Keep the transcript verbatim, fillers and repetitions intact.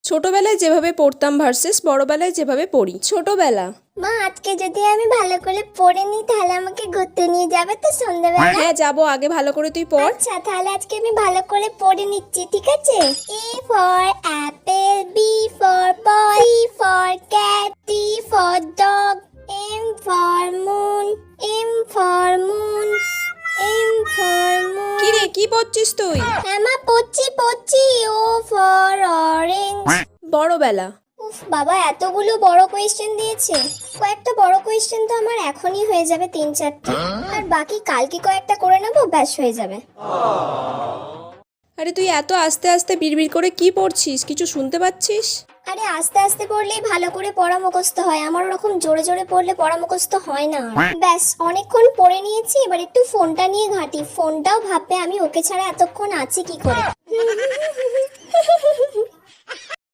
ছোটবেলায় যেভাবে পড়তাম ভার্সেস বড়বেলায় যেভাবে পড়ি। ছোটবেলা, মা আজকে যদি আমি ভালো করে পড়ে নিই তাহলে আমাকে ঘুরতে নিয়ে যাবে তো সন্ধ্যাবেলা? হ্যাঁ যাবো, আগে ভালো করে তুই পড়। আচ্ছা তাহলে আজকে আমি ভালো করে পড়ে নিচ্ছি, ঠিক আছে? A for apple, B for boy, C for cat, D for dog, M for moon, M for moon, M for moon. কি রে, কি পড়ছিস তুই? হ্যাঁ মা পড়ছি পড়ছি। O for orange. বড়বেলা, উফ বাবা, এতগুলো বড় কোয়েশ্চেন দিয়েছে। কয়েকটা বড় কোয়েশ্চেন তো আমার এখনই হয়ে যাবে, তিন চারটে, আর বাকি কালকে কয়েকটা করে নেবো, ব্যাস হয়ে যাবে। আরে তুই এত আস্তে আস্তে বিড়বিড় করে কি পড়ছিস, কিছু শুনতে পাচ্ছিস? আরে আস্তে আস্তে পড়লেই ভালো করে পড়া মুখস্থ হয়, আমার ওরকম জোরে জোরে পড়লে পড়া মুখস্থ হয় না। ব্যাস অনেকক্ষণ পড়ে নিয়েছি, এবার একটু ফোনটা নিয়ে ঘাঁটি। ফোনটাও ভাববে আমি ওকে ছাড়া এতক্ষণ আছি কি করে।